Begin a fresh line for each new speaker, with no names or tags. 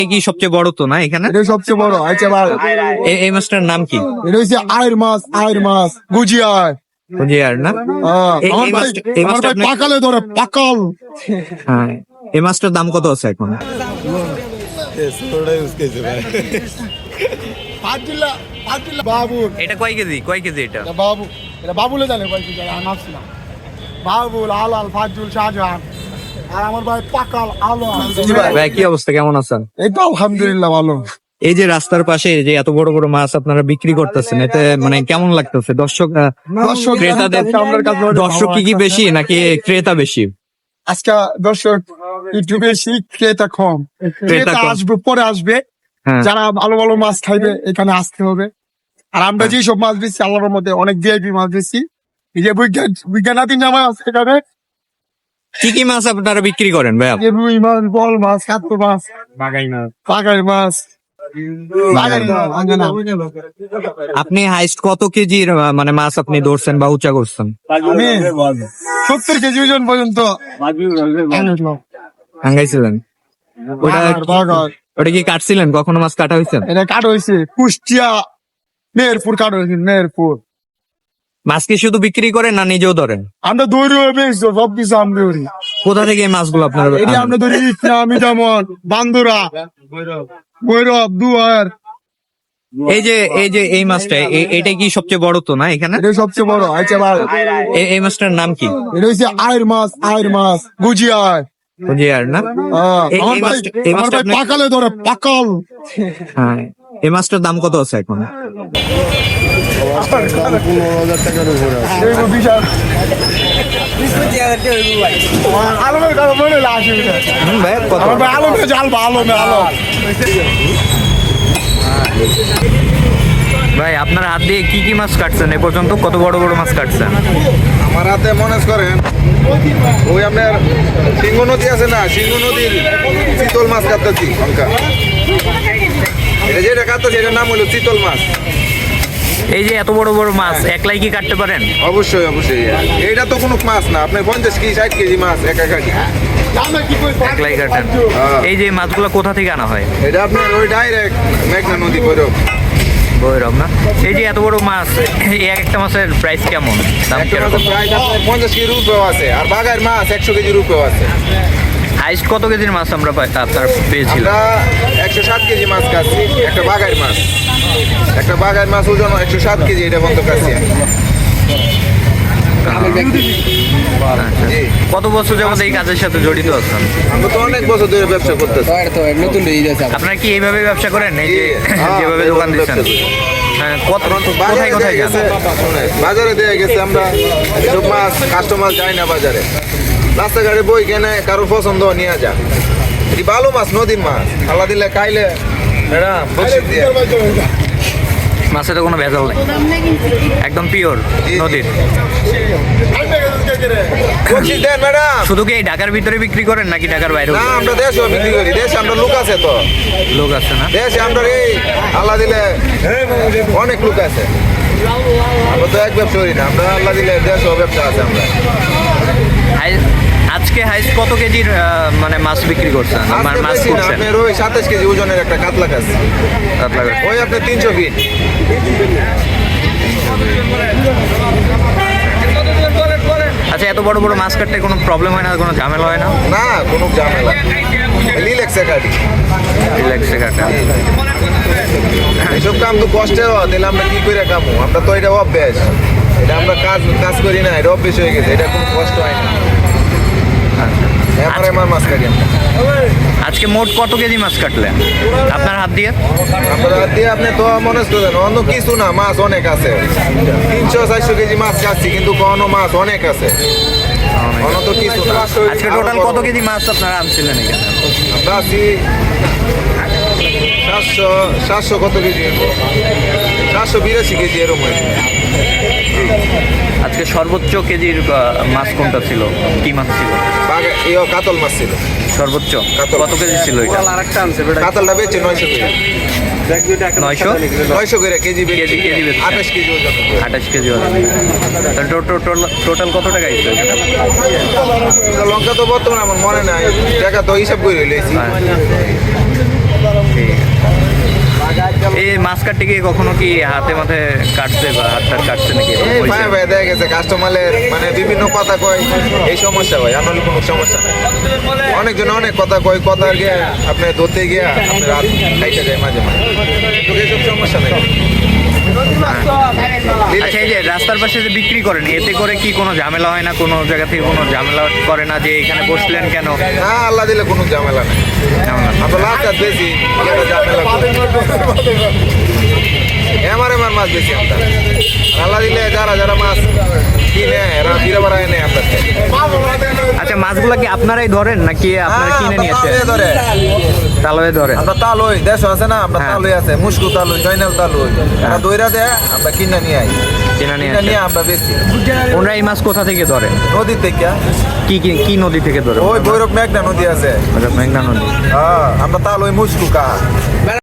কি সবচেয়ে বড় তো না এখানে?
এটা সবচেয়ে বড়। আচ্ছা ভাই,
এই মাছটার নাম কি?
এটা হচ্ছে আয়ের মাছ গুজিয়ার।
বুঝিয়ার না? এই
আমার ভাই
এই মাছটা আপনি-
পাকালে ধরে পাকাল।
হ্যাঁ, এই মাছটার দাম কত আছে এখন?
বাবুল,
এটা কয় কেজি এটা?
এটা বাবুলে জানে কয় কি জানে, আমি ভাবছি না। বাবুল, আলাল, ফাজুল, শাহজাহান, আর আমার ভাই পাকাল আলো।
ভাই কি অবস্থা, কেমন আছেন?
এই তো আলহামদুলিল্লাহ ভালো।
এই যে রাস্তার পাশে যে এত বড় বড় মাছ আপনারা বিক্রি করতেছেন, এতে মানে কেমন লাগতেছে? দর্শক ক্রেতাদের দর্শক কি বেশি নাকি ক্রেতা বেশি?
আজকে দর্শক একটু বেশি, ক্রেতা কম। ক্রেতা
কম।
আসবে, পরে আসবে।
হ্যাঁ।
যারা ভালো ভালো মাছ খাইবে এখানে আসতে হবে। আর আমরা যেসব মাছ বেশি, আল্লাহর মধ্যে অনেক ভিআইপি মাছ বেশি। এই যে বিজ্ঞানাধীন জামা আছে এখানে,
কি কি মাছ আপনারা বিক্রি করেন ভাই?
যে রুই মাছ, বল মাছ, কাতল মাছ, পাগাই মাছ।
আপনি হাইস্ট কত কেজির মানে মাছ আপনি ধরছেন বা উঁচা করছেন?
আমি 70 কেজি ওজন পর্যন্ত
ভাঙ্গাইছিলেন? ওটা কি কাটছিলেন? কখনো মাছ কাটা হয়েছে?
এটা কাট হয়েছে কুষ্টিয়া, মেহেরপুর কাট হয়েছে, মেহেরপুর।
মাছ কি শুধু বিক্রি করেন না নিজেও ধরেন?
আমরা দৌড়ি বেশ সবকিছু আমরা ধরি।
কোথা থেকে এই মাছগুলো আপনারা
এটি
আনেন?
আমরা ধরি ইটনা, মিঠামন, বান্দুরা, ভৈরব, দুয়ার।
এই মাছটা এটা কি সবচেয়ে বড় তো না এখানে?
এটা সবচেয়ে বড়। আচ্ছা ভাই,
এই মাছটার নাম কি?
এটা হচ্ছে আয়ের মাছ গুজিয়ার।
বুঝিয়ার না?
আমার ভাই
এই মাছটা আপনি-
পাকালে ধরে পাকাল।
হ্যাঁ, এই মাছটার দাম কত আছে এখন?
বিশাল আলমের কথা মনে হলো আসে।
ভাই কত?
আমার ভাই আলমে জাল বা আলমে আলম।
ভাই আপনার হাত দিয়ে কি কি মাছ কাটছেন এ পর্যন্ত? কত বড় বড় মাছ কাটছেন?
আমার হাতে মনে করেন ওই আপনার সিংহ নদী আছে না, সিংহ নদীর চিতল মাছ কাটতেছি হালকা। এটা যেটা কাটতেছি এটার নাম হলো চিতল মাছ।
এই যে এত বড় বড় মাছ একলাই কি কাটতে পারেন?
অবশ্যই অবশ্যই, এটা তো কোনো মাছ না, আপনার 50 কেজি 60 কেজি মাছ একা কাটি।
একলাই কাটেন? এই যে মাছগুলো কোথা থেকে আনা হয়?
এটা আপনার ওই ডাইরেক্ট মেঘনা নদী ভৈরব।
ভৈরব না? এই যে এত বড় মাছ, এই এক একটা মাছের প্রাইস কেমন, দাম
একটা
কিরকম?
মাছের প্রায় আপনার 50 কেজি রূপেও আছে, আর বাগার মাছ 100 কেজি রূপেও আছে।
হাইস্ট কত কেজির মাছ আমরা আপনার পেয়েছিলাম?
আমরা 107 কেজি মাছ কাটছি, একটা বাগার মাছ। একটা বাগার মাছ ওজন 107 কেজি, এটা বন্ধ কাটছি আমি।
আচ্ছা।
জি।
কত বছর যাবত এই কাজের সাথে জড়িত আছেন?
আমরা তো অনেক বছর ধরে ব্যবসা করতেছি।
আপনারা কি এইভাবে ব্যবসা করেন, এই যে
হ্যাঁ,
যেভাবে দোকান দিচ্ছেন?
ব্যবসা করি।
হ্যাঁ,
বাজারে
কোথায়
দিয়ে
যান?
গেছে, বাজারে দিয়ে গেছে, আমরা সব মাছ কাস্টমার যায় না বাজারে, রাস্তাঘাটে বই কেনে, কারোর পছন্দ নিয়ে যা। এটি ভালো মাছ, নদীর মাছ, আল্লাহ দিলে খাইলে ম্যাডাম বকশিশ দিয়ে।
মাছে তো কোনো ভেজাল নেই, একদম পিওর নদীর।
বকশিশ দেন ম্যাডাম।
শুধু কি এই ঢাকার ভিতরে বিক্রি করেন নাকি ঢাকার বাইরেও?
না, আমরা দেশেও বিক্রি করি, দেশে আমরা লোক আছে তো,
লোক আছে না?
দেশে আমরা এই আল্লাহ দিলে অনেক লোক আছে। আমরা তো এক ব্যবসা করি না, আমরা আল্লাহ দিলে দেশেও ব্যবসা আছে আমরা।
আজকে হাইস্ট কত কেজির মানে মাছ বিক্রি করছেন,
আজকে
মাছ
বেশি না,
করছেন?
আপনার ওই 27 কেজি ওজনের একটা কাতলা আছে, ওই আপনার 300 ফিট।
আচ্ছা, এত বড় বড় মাছ কাটতে কোনো প্রবলেম হয় না, কোনো ঝামেলা হয় না?
না, কোনো ঝামেলা, রিল্যাক্সে কাটি।
রিল্যাক্সে কাটা।
এসব কাম তো কষ্টে হওয়া, তাহলে আমরা কি করে কামু? আমরা তো এটা অভ্যাস, এটা আমরা কাজ করি না, এটা অভ্যাস হয়ে গেছে, এটা কোনো কষ্ট হয় না। আমার মাছ কাটি আমরা।
আজকে মোট কত কেজি মাছ কাটলেন আপনার হাত দিয়ে?
আমরা দিয়ে আপনি তো মনে করেন অন্য কিছু না, মাছ অনেক আছে, 300-400 কেজি মাছ কাটছি, কিন্তু কোনো মাছ অনেক আছে, অন্য তো কিছু না।
আজকে টোটাল কত কেজি মাছ আপনারা আনছিলেন এখানে?
আমরা আছি 700 কত কেজি, 782 কেজি এরকম হয়েছে।
আজকে সর্বোচ্চ কেজির মাছ কোনটা ছিল, কি মাছ ছিল?
কাতল মাছ ছিল
সর্বোচ্চ
কাতল।
কত কেজি ছিল এটা?
কাতলটা বেচে 900 করে,
900
করে কেজি
কেজি বেচছে।
28 কেজি ওজন।
28 কেজি টোটাল কত টাকা হয়েছে?
লঙ্কা তো বর্তমানে আমার মনে নাই, টাকা তো হিসাব করে লইছি।
মাছ কাটতে গিয়ে কখনো কি হাতে মাথে কাটছে বা হাত টাত কাটছে নাকি এরকম
এই
হয়েছে?
ভাই ভাই দেখা গেছে কাস্টমারের মানে বিভিন্ন কথা কয়, এই সমস্যা হয়, আমার কোনো সমস্যা নেই। অনেকজন অনেক কথা কয়, কথা গিয়ে আপনি ধরতে গিয়া আপনি রাত খাইতে যায় মাঝে মাঝে, কিন্তু এইসব সমস্যা নেই।
আচ্ছা, এই যে রাস্তার পাশে যে বিক্রি করেন, এতে করে কি কোনো ঝামেলা হয় না? কোনো জায়গা থেকে কোনো ঝামেলা করে না যে এখানে বসলেন কেন?
না, আল্লাহ দিলে কোনো ঝামেলা নেই।
ঝামেলা
আমরা লাস্ট হাত বেশি ঝামেলা করি। এমার মাছ বেশি আমরা, আল্লাহ দিলে যারা যারা মাছ কিনে এরা ফিরে বেড়ায় নেই আমরা।
আচ্ছা, মাছগুলা কি আপনারাই ধরেন নাকি আপনারা কিনে নিয়ে আসেন?
ধরে
তালয়ে ধরেন?
আমরা তালই দেশ আছে না, আমরা
হ্যাঁ।
তালই আছে, মুস্কু তালই, জয়নাল তালই, এরা দইরা দেয়, আমরা কিনে নিয়ে আই,
কিনে নিয়ে
কিনে নিয়ে
আসেন।
আমরা বেশি
ওনারা এই মাছ কোথা থেকে ধরে?
নদী থেকে।
কি কি কি নদী থেকে ধরে?
ওই ভৈরব মেঘনা নদী আছে,
মেঘনা নদী।
হ্যাঁ, আমরা তালই মুস্কু কা